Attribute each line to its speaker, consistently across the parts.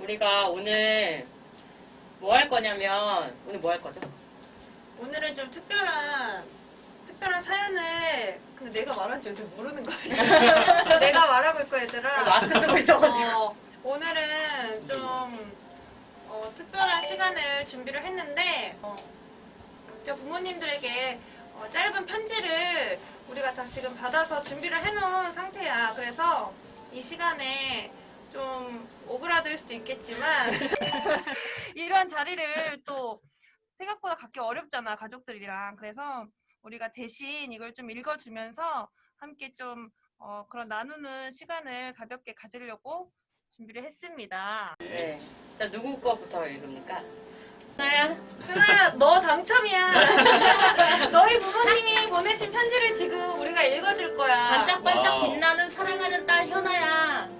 Speaker 1: 우리가 오늘 뭐 할 거냐면, 오늘 뭐 할 거죠?
Speaker 2: 오늘은 좀 특별한 사연을 내가 말한지 어떻게 모르는 거야. 내가 말하고 있고 얘들아.
Speaker 1: 마스크 쓰고 있어가지고.
Speaker 2: 오늘은 좀 특별한 시간을 준비를 했는데 각자 부모님들에게 짧은 편지를 우리가 다 지금 받아서 준비를 해놓은 상태야. 그래서 이 시간에 좀 오그라들 수도 있겠지만 이런 자리를 또 생각보다 갖기 어렵잖아, 가족들이랑. 그래서 우리가 대신 이걸 좀 읽어주면서 함께 좀 그런 나누는 시간을 가볍게 가지려고 준비를 했습니다.
Speaker 1: 네. 자, 누구 거부터 읽습니까? 하나야?
Speaker 2: 현아야, 너 당첨이야. 너희 부모님이 보내신 편지를 지금 우리가 읽어줄 거야.
Speaker 1: 반짝반짝
Speaker 3: 와우.
Speaker 1: 빛나는 사랑하는 딸 현아야.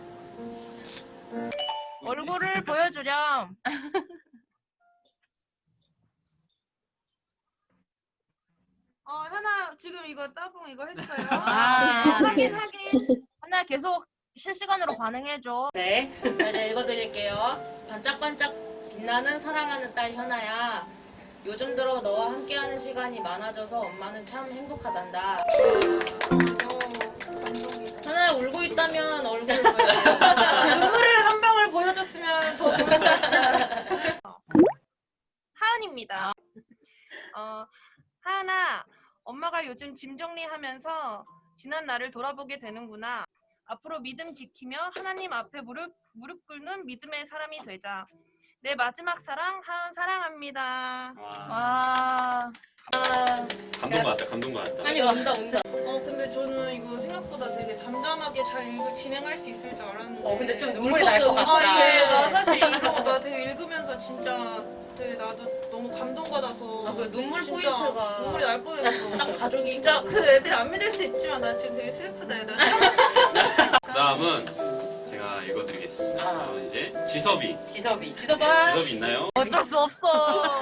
Speaker 4: 얼굴을 보여주렴.
Speaker 2: 현아, 지금 이거 따봉 이거 했어요.
Speaker 4: 아,
Speaker 2: 하긴.
Speaker 4: 하나 계속 실시간으로 반응해줘.
Speaker 1: 네. 자, 이제 읽어드릴게요. 반짝반짝 빛나는 사랑하는 딸 현아야. 요즘 들어 너와 함께하는 시간이 많아져서 엄마는 참 행복하단다.
Speaker 2: 감동이다.
Speaker 1: 현아야, 울고 있다면 얼굴을 보여줘.
Speaker 2: 눈물을 한 방울 보여줬으면 더 좋을 것 같다. 하은입니다. 하은아, 엄마가 요즘 짐 정리하면서 지난 날을 돌아보게 되는구나. 앞으로 믿음 지키며 하나님 앞에 무릎 꿇는 믿음의 사람이 되자. 내 마지막 사랑, 하은 사랑합니다.
Speaker 4: 와,
Speaker 3: 감동받았다, 감동받았다.
Speaker 1: 아니, 온다.
Speaker 2: 근데 저는 이거 생각보다 되게 담담하게 잘 진행할 수 있을 줄 알았는데.
Speaker 1: 근데 좀 눈물이 날 것 같다.
Speaker 2: 예, 나 사실 이거 나 되게 읽으면서 진짜 되게 나도 너무 감동받아서.
Speaker 1: 그 눈물
Speaker 2: 진짜
Speaker 1: 포인트가
Speaker 2: 눈물이 날 뻔했어.
Speaker 1: 딱 가족이
Speaker 2: 진짜
Speaker 1: 있거든.
Speaker 2: 그 애들이 안 믿을 수 있지만 나 지금 되게 슬프다, 얘들아.
Speaker 3: 그 다음은 제가 읽어드리겠습니다.
Speaker 1: 아.
Speaker 3: 이제 지섭이.
Speaker 1: 지섭이.
Speaker 3: 네,
Speaker 1: 지섭아.
Speaker 3: 지섭이 있나요?
Speaker 4: 어쩔 수 없어.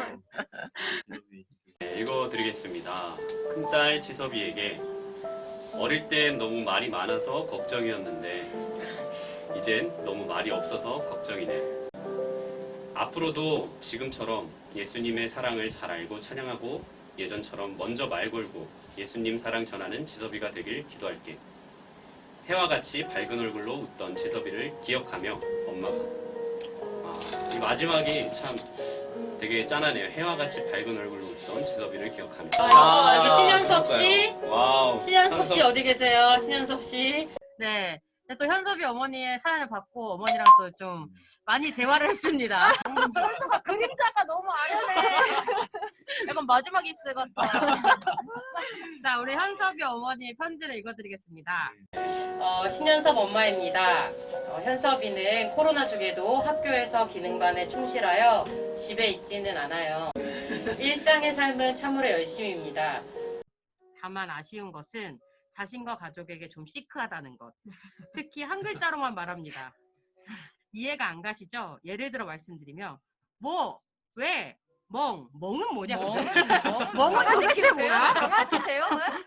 Speaker 3: 네, 읽어드리겠습니다. 큰딸 지섭이에게 어릴 땐 너무 말이 많아서 걱정이었는데 이젠 너무 말이 없어서 걱정이네. 앞으로도 지금처럼 예수님의 사랑을 잘 알고 찬양하고 예전처럼 먼저 말 걸고 예수님 사랑 전하는 지섭이가 되길 기도할게. 해와 같이 밝은 얼굴로 웃던 지섭이를 기억하며 엄마가. 이 마지막이 참 되게 짠하네요. 해와 같이 밝은 얼굴로 웃던 지섭이를 기억하며.
Speaker 1: 여기 신현섭 씨.
Speaker 3: 와우.
Speaker 1: 신현섭 씨 어디 계세요? 신현섭 씨.
Speaker 5: 네. 또 현섭이 어머니의 사연을 받고 어머니랑 또 좀 많이 대화를 했습니다.
Speaker 4: 그림자가 너무 아련해. 약간 마지막 입술 같다.
Speaker 5: 자, 우리 현섭이 어머니의 편지를 읽어드리겠습니다.
Speaker 1: 신현섭 엄마입니다. 현섭이는 코로나 중에도 학교에서 기능반에 충실하여 집에 있지는 않아요. 일상의 삶은 참으로 열심입니다.
Speaker 5: 다만 아쉬운 것은 자신과 가족에게 좀 시크하다는 것. 특히 한 글자로만 말합니다. 이해가 안 가시죠? 예를 들어 말씀드리면 뭐, 왜, 멍은 뭐냐? 멍은 도대체 뭐야?
Speaker 4: 강아지세요?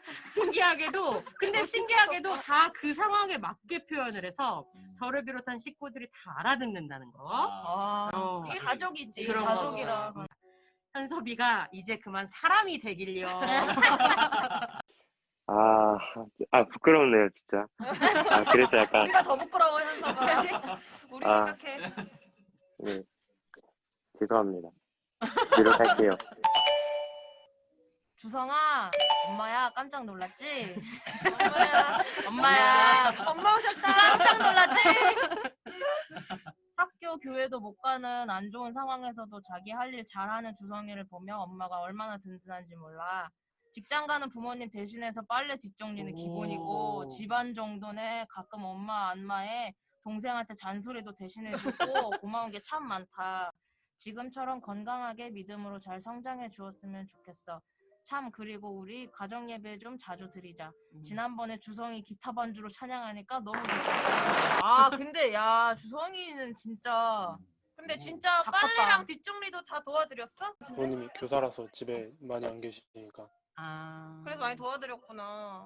Speaker 5: 신기하게도 다 그 상황에 맞게 표현을 해서 저를 비롯한 식구들이 다 알아듣는다는 거.
Speaker 4: 이게 가족이지.
Speaker 5: 그런
Speaker 4: 가족이라.
Speaker 5: 거. 현섭이가 이제 그만 사람이 되길요.
Speaker 6: 부끄럽네요, 진짜. 그래서 약간,
Speaker 2: 우리가 더 부끄러워, 현서가. 우리
Speaker 6: 아.
Speaker 2: 생각해.
Speaker 6: 네. 죄송합니다. 노력할게요.
Speaker 4: 주성아, 엄마야 깜짝 놀랐지?
Speaker 2: 엄마야.
Speaker 4: 엄마 오셨다. 깜짝 놀랐지? 학교, 교회도 못 가는 안 좋은 상황에서도 자기 할 일 잘하는 주성이를 보며 엄마가 얼마나 든든한지 몰라. 직장 가는 부모님 대신해서 빨래 뒷정리는 기본이고 집안 정도는 가끔 엄마 안마에 동생한테 잔소리도 대신해주고 고마운 게 참 많다. 지금처럼 건강하게 믿음으로 잘 성장해 주었으면 좋겠어. 참 그리고 우리 가정 예배 좀 자주 드리자. 지난번에 주성이 기타 반주로 찬양하니까 너무 좋다. 근데 야 주성이는 진짜
Speaker 2: 근데 진짜
Speaker 4: 다 컸다.
Speaker 2: 빨래랑 뒷정리도 다 도와드렸어?
Speaker 7: 부모님이 교사라서 집에 많이 안 계시니까.
Speaker 2: 그래서 많이 도와드렸구나.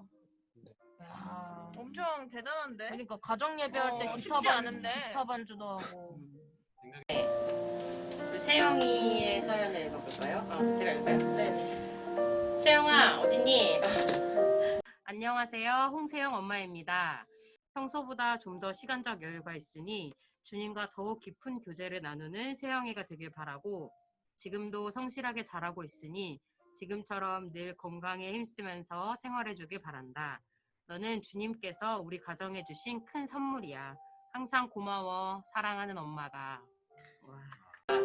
Speaker 4: 야,
Speaker 2: 엄청 대단한데?
Speaker 4: 그러니까 가정 예배할 때
Speaker 2: 쉽지 않은데.
Speaker 4: 기타 반주도 하고.
Speaker 5: 우리 세영이의 사연을 읽어볼까요? 제가 읽을까요?
Speaker 1: 네.
Speaker 5: 세영아 어딨니? 안녕하세요. 홍세영 엄마입니다. 평소보다 좀 더 시간적 여유가 있으니 주님과 더욱 깊은 교제를 나누는 세영이가 되길 바라고 지금도 성실하게 잘하고 있으니 지금처럼 늘 건강에 힘쓰면서 생활해주길 바란다. 너는 주님께서 우리 가정에 주신 큰 선물이야. 항상 고마워. 사랑하는 엄마가. 와.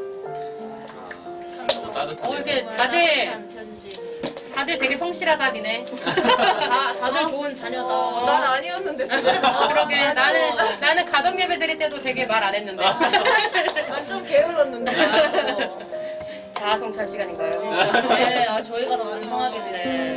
Speaker 3: 너무 따뜻하네요.
Speaker 5: 이렇게
Speaker 1: 따뜻한 편지.
Speaker 5: 다들 되게 성실하다 니네.
Speaker 1: 다들 좋은 자녀다.
Speaker 2: 난 아니었는데
Speaker 5: 그러게 나는 가정 예배 드릴 때도 되게 말 안 했는데.
Speaker 2: 난 좀 게을렀는데.
Speaker 5: 자아 성찰 시간인가요?
Speaker 1: 네, 저희가 더 반성하게 되네.